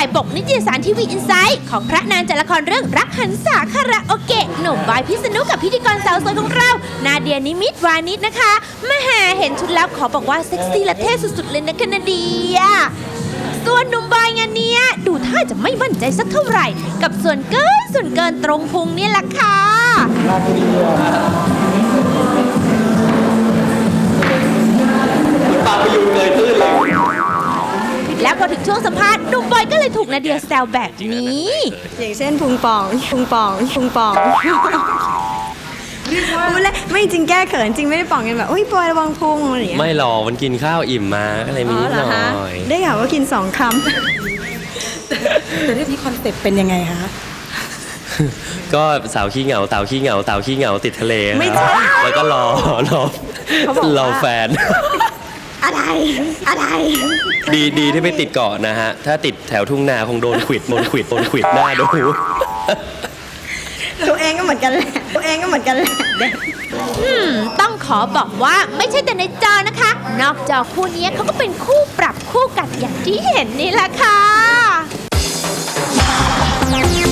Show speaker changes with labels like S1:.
S1: ปกนิตยสารทีวีอินไซต์ของพระนางจากละครเรื่องรักหันษาคาราโอเกะหนุ่มบอยพิษณุกับพิธีกรสาวสวยของเรานาเดียนิมิตวานิชนะคะมาหาเห็นชุดแล้วขอบอกว่าเซ็กซี่และเท่สุดๆเลยนะคะนาเดียส่วนหนุ่มบอยงานเนี้ยดูท่าจะไม่มั่นใจสักเท่าไหร่กับส่วนเกินตรงพุงนี่แหละค่ะ
S2: ปาไปยืนเลยตื้นเลย
S1: แล้วพอถึงช่วงสัมภาษณ์หนุ่มบอยก็เลยถูกนาเดียแซวแบบนี้
S3: อย่างเช่นพุงป่องพูดเลยไม่จริงแก้เขินจริงไม่ได้ป่องกันแบบอุ้ยบอยระวังพุงอะไรอย่างเงี้ย
S2: ไม่หรอกมันกินข้าวอิ่มมาอะไรมีนิดหน่อย
S3: ได้ข่าวว่ากิน2 คำ
S4: แต่เรื่องนี้คอนเซ็ปต์เป็นยังไงคะ
S2: ก็สาวขี้เหงาเต่าขี้เหงาเต่าขี้เหงาติดทะเลไม่ใช่แล้วก็รอแฟน
S3: อะไร
S2: ดีที่ไม่ติดเกาะนะฮะถ้าติดแถวทุ่งนาคงโดนขวิดหน้าดู
S3: ตัวเองก็เหมือนกันแหละ
S1: ต้องขอบอกว่าไม่ใช่แต่ในจอนะคะ นอกจอคู่นี้เขาก็เป็นคู่ปรับคู่กัดอย่างที่เห็นนี่แหละค่ะ